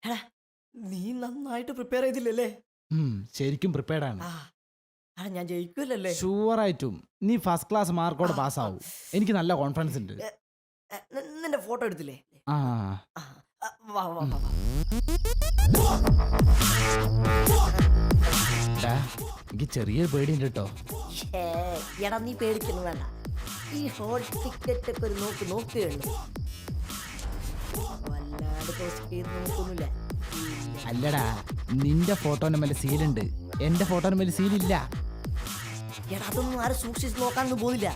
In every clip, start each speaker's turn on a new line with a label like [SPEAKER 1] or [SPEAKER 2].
[SPEAKER 1] എടാ നീ നന്നായിട്ട് പ്രിപ്പയർ ചെയ്തില്ലല്ലേ?
[SPEAKER 2] ശരിക്കും പ്രിപ്പയർഡ് ആണ്.
[SPEAKER 1] ഞാൻ ജയിക്കൂലല്ലേ?
[SPEAKER 2] ഷുവറായിട്ടും നീ ഫസ്റ്റ് ക്ലാസ് മാർക്കോടെ പാസ്സാവും. എനിക്ക് നല്ല കോൺഫിഡൻസ് ഉണ്ട്.
[SPEAKER 1] നിന്റെ ഫോട്ടോ എടുത്തില്ലേ?
[SPEAKER 2] ആ
[SPEAKER 1] വാ വാ വാ.
[SPEAKER 2] എനിക്ക് ചെറിയൊരു പേടിയുണ്ട് കേട്ടോ.
[SPEAKER 1] എടാ നീ പേടിക്കുന്നു വേണ്ട. ഈ ഹോൾ ടിക്കറ്റ് ഒക്കെ ഒരു നോക്കുകയുള്ളൂ. വല്ലാണ്ട് നോക്കുന്നില്ല.
[SPEAKER 2] അല്ലടാ, നിന്റെ ഫോട്ടോന്റെ മേലെ സീലുണ്ട്, എന്റെ ഫോട്ടോന്റെ മേലെ സീലില്ല.
[SPEAKER 1] എടാ അതൊന്നും ആരും സൂക്ഷിച്ച് നോക്കാനൊന്നും പോകുന്നില്ല.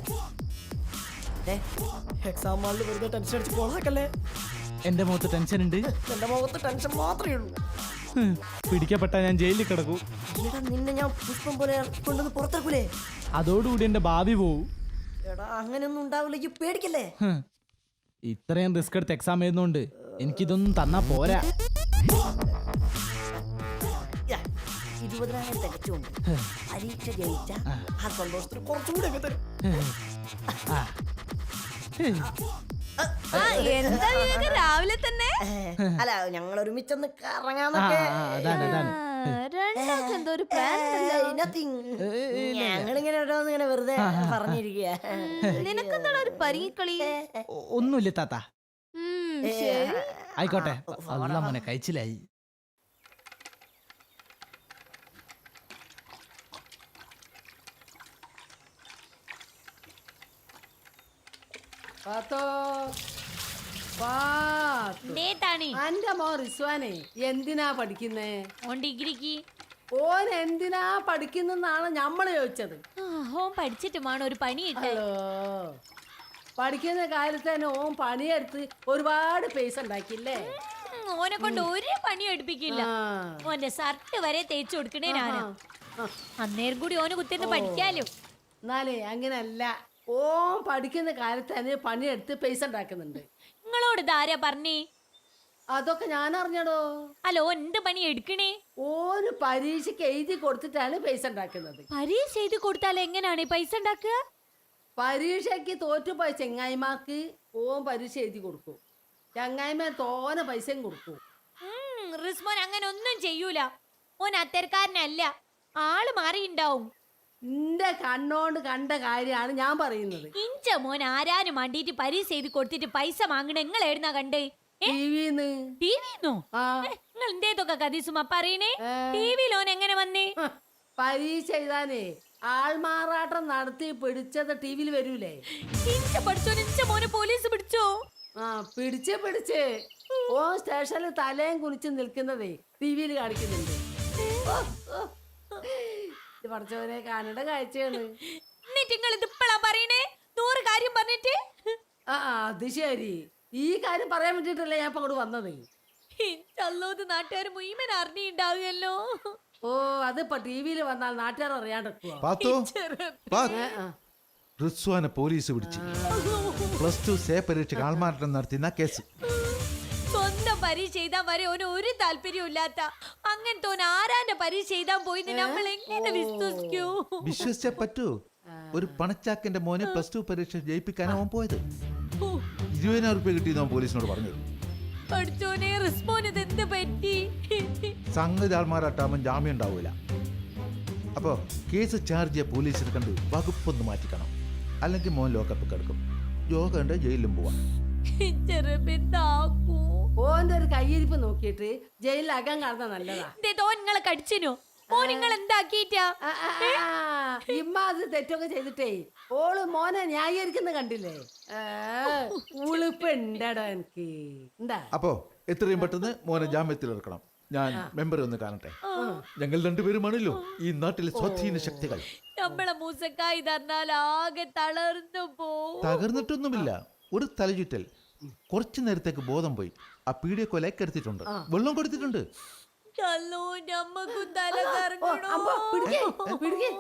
[SPEAKER 1] എക്സാം ഹാളിൽ വെറുതെ ടെൻഷൻ അടിച്ച് പോളാക്കല്ലേ.
[SPEAKER 2] എന്റെ മുഖത്ത് ടെൻഷൻ ഉണ്ട്.
[SPEAKER 1] എന്റെ മുഖത്ത് ടെൻഷൻ മാത്രമേ ഉള്ളൂ.
[SPEAKER 2] പിടിക്കപ്പെട്ട ഞാൻ ജയിലിൽ കിടക്കൂ.
[SPEAKER 1] എടാ നിന്നെ ഞാൻ പുഷ്പം പോലെ കൊണ്ടുവന്ന് പുറത്തേക്കൂലേ?
[SPEAKER 2] അതോടുകൂടി എന്റെ ഭാവി പോവും.
[SPEAKER 1] എടാ അങ്ങനെയൊന്നും ഉണ്ടാവില്ല, ഈ പേടിക്കല്ലേ.
[SPEAKER 2] ഇത്രയും റിസ്ക് എടുത്ത് എക്സാം എഴുതുന്നോണ്ട് എനിക്കിതൊന്നും തന്നാ പോരാ.
[SPEAKER 1] 20,000 തികച്ചുകൊണ്ട് പരീക്ഷ ജയിച്ച ആ സന്തോഷത്തിന് കുറച്ചുകൂടി ഒക്കെ തരും.
[SPEAKER 3] രാവിലെ തന്നെ
[SPEAKER 1] അല്ല ഞങ്ങൾ ഒരുമിച്ചൊന്ന് കറങ്ങാന്നൊക്കെ. ഞങ്ങളിങ്ങനെ ഓരോന്നിങ്ങനെ വെറുതെ പറഞ്ഞിരിക്കുക.
[SPEAKER 3] നിനക്കെന്താ ഒരു പരിക്കളി?
[SPEAKER 2] ഒന്നുമില്ല താത്ത. ആയിക്കോട്ടെ, അല്ല മോനെ കഴിച്ചില്ലായി.
[SPEAKER 4] അന്റെ മോൻ റിസ്വാനെ എന്തിനാ പഠിക്കുന്നേ?
[SPEAKER 3] ഓൻ ഡിഗ്രിക്ക്.
[SPEAKER 4] ഓൻ എന്തിനാ പഠിക്കുന്നാണ് ഞമ്മള് ചോദിച്ചത്.
[SPEAKER 3] ഓൻ പഠിച്ചിട്ട് വേണം ഒരു പണി കിട്ടോ.
[SPEAKER 4] പഠിക്കുന്ന കാലത്ത് തന്നെ ഓൻ പണിയെടുത്ത് ഒരുപാട് പൈസ ഉണ്ടാക്കില്ലേ?
[SPEAKER 3] ഓനെ കൊണ്ട് ഒരു പണിയും എടുപ്പിക്കില്ല. ഓന്റെ ഷർട്ട് വരെ തേച്ചു കൊടുക്കണേ ഞാനാ. അന്നേരം കൂടി ഓന് കുത്തിന്ന് പഠിക്കാലോ.
[SPEAKER 4] എന്നാലേ അങ്ങനല്ല, ഓൻ പഠിക്കുന്ന കാലത്ത് തന്നെ പണിയെടുത്ത് പൈസ ഉണ്ടാക്കുന്നുണ്ട്.
[SPEAKER 3] നിങ്ങളോട് ഇതാരാ പറഞ്ഞേ?
[SPEAKER 4] അതൊക്കെ ഞാൻ അറിഞ്ഞടോ.
[SPEAKER 3] അല്ല ഓൻ എന്ത് പണി എടുക്കണേ?
[SPEAKER 4] ഓന് പരീക്ഷയ്ക്ക് എഴുതി കൊടുത്തിട്ടാണ് പൈസ ഉണ്ടാക്കുന്നത്.
[SPEAKER 3] പരീക്ഷ എഴുതി കൊടുത്താൽ എങ്ങനെയാണ് പൈസ ഉണ്ടാക്കുക?
[SPEAKER 4] പരീക്ഷയ്ക്ക് തോറ്റുപോയ ചെങ്ങായിമാർക്ക് ഓൻ പരീക്ഷ എഴുതി കൊടുക്കും. ചങ്ങായിമാർ തോനെ പൈസയും കൊടുക്കും.
[SPEAKER 3] റിസ്മോൻ അങ്ങനെ ഒന്നും ചെയ്യൂല. ഓൻ അത്തരക്കാരനല്ല, ആള് മാറിണ്ടാവും.
[SPEAKER 4] നിന്റെ കണ്ണോണ്ട് കണ്ട കാര്യമാണ് ഞാൻ പറയുന്നത്.
[SPEAKER 3] ഇഞ്ച മോൻ ആരാനും വേണ്ടിട്ട് പരീക്ഷ എഴുതി കൊടുത്തിട്ട് പൈസ വാങ്ങണ നിങ്ങൾ എഴുന്നാ കണ്ടേ?
[SPEAKER 4] ടിവിന്നോ?
[SPEAKER 3] നിങ്ങൾ എന്തേതൊക്കെ കഥീസുമ പറയണേ? ടിവിയിൽ ഓൻ എങ്ങനെ വന്നേ?
[SPEAKER 4] പരീക്ഷ എഴുതാനേ ആൾമാറാട്ടം നടത്തി പിടിച്ചത് ടിവിയിൽ വരൂലേ?
[SPEAKER 3] ഇഞ്ച പഠിച്ചോ, ഇഞ്ച മോനെ പോലീസ് പിടിച്ചോ?
[SPEAKER 4] പിടിച്ച് ഓ സ്റ്റേഷനിൽ തലയും കുനിച്ച് നിൽക്കുന്നതേ ടിവിയിൽ കാണിക്കുന്നുണ്ട്. പഠിച്ചവനെ കാണേണ്ട കാഴ്ചയാണ്.
[SPEAKER 3] എന്നിട്ട് നിങ്ങൾ ഇതിപ്പോഴാ പറയണേ? 100 കാര്യം പറഞ്ഞിട്ട്.
[SPEAKER 4] അത് ശരി, ഈ കാര്യം പറയാൻ വേണ്ടിട്ടല്ലേ ഞാൻ ഇപ്പൊ അങ്ങോട്ട് വന്നത്.
[SPEAKER 3] ചല്ലോത് നാട്ടുകാർ മുഴുവൻ അറിഞ്ഞിണ്ടാവുമല്ലോ.
[SPEAKER 4] ഓ അതിപ്പോ ടിവിയിൽ വന്നാൽ നാട്ടുകാർ അറിയാണ്ട്
[SPEAKER 5] റിസ്വാനെ പോലീസ് പിടിച്ചു. +2 സേ പരീക്ഷയ്ക്ക് ആൾമാറാട്ടം നടത്തിയ കേസ്.
[SPEAKER 3] സ്വന്തം പരീക്ഷ എഴുതാൻ വരെ ഓന് ഒരു താല്പര്യവും ഇല്ലാത്ത അങ്ങനത്തെ ഓൻ ആരാന്റെ പരീക്ഷ എഴുതാൻ പോയി നമ്മൾ എങ്ങനെ വിശ്വസിക്കൂ?
[SPEAKER 5] വിശ്വസിച്ചേ പറ്റൂ. ഒരു പണച്ചാക്കിന്റെ മോനെ +2 പരീക്ഷ ജയിപ്പിക്കാനാ അവൻ പോയത്. 20,000 രൂപ കിട്ടിയെന്ന് അവൻ പോലീസിനോട് പറഞ്ഞു.
[SPEAKER 3] പഠിച്ചോനെ റിസ്മോന് ഇതെന്ത് പറ്റി?
[SPEAKER 5] സംഗതി ആൾമാറാട്ടാകുമ്പോൾ ജാമ്യം ഉണ്ടാവൂല. അപ്പോ കേസ് ചാർജ് ചെയ്യ പോലീസിനെ കണ്ട് വകുപ്പൊന്ന് മാറ്റിക്കണം, അല്ലെങ്കിൽ മോൻ ലോക്കപ്പ് കിടക്കും. യോഗ ഉണ്ട്, ജയിലിലും പോവാം.
[SPEAKER 4] ഓന്റെ ഒരു കയ്യിരിപ്പ് നോക്കിയിട്ട് ജയിലിലാകാൻ കാണുന്ന നല്ലതാ.
[SPEAKER 3] നിങ്ങളെ കടിച്ചിനോ? ഓ നിങ്ങൾ എന്താക്കിട്ടാ?
[SPEAKER 4] ഇമ്മാത് തെറ്റൊക്കെ ചെയ്തിട്ടേ ഓള് മോനെ ന്യായീകരിക്കുന്ന കണ്ടില്ലേ? ഉളുപ്പുണ്ടോ എനിക്ക്? എന്താ
[SPEAKER 5] അപ്പോ എത്രയും പെട്ടെന്ന് മോനെ ജാമ്യത്തിൽ ഇറക്കണം. ഞാൻ മെമ്പറെ ഒന്ന് കാണട്ടെ. ഞങ്ങൾ രണ്ടുപേരുമാണല്ലോ ഈ നാട്ടിലെ സ്വാധീന ശക്തികൾ.
[SPEAKER 3] നമ്മളെ മൂസക്കായി തന്നാൽ ആകെ തളർന്നു പോ.
[SPEAKER 5] തകർന്നിട്ടൊന്നുമില്ല, ഒരു തലചുറ്റൽ. കുറച്ചു നേരത്തേക്ക് ബോധം പോയി. ആ പീഡിയ കൊലക്കെടുത്തിട്ടുണ്ട്, വെള്ളം കൊടുത്തിട്ടുണ്ട്.
[SPEAKER 3] നമ്മക്കും തല കറങ്ങണോ?